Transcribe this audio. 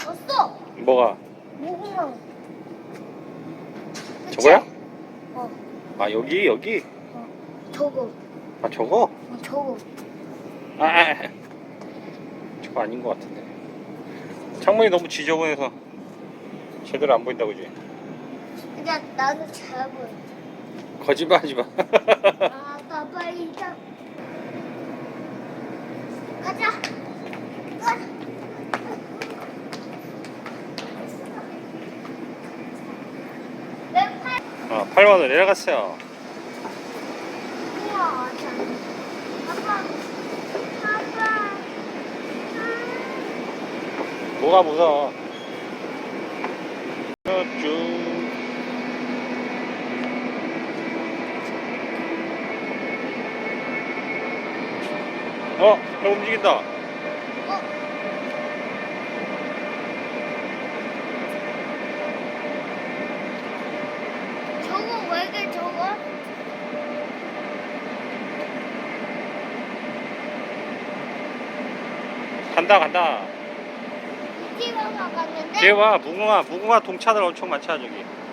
졌어. 뭐가? 무궁화. 그치? 저거야? 어. 아 여기? 저거. 아 저거? 저거. 저거 아닌 것 같은데. 창문이 너무 지저분해서 제대로 안 보인다 그지? 근데 나는 잘 보여. 거짓말하지 마. 아빠 빨리 자. 가자. 가자. 내 팔. 8번으로 내려갔어요. 우와. 자. 아빠. 아빠. 뭐가 무서워? 쭉. 저 움직인다. 저거 왜 이렇게 저거? 간다. 이집에 갔는데? 뒤에 와, 무궁화 동차들 엄청 많잖아 저기.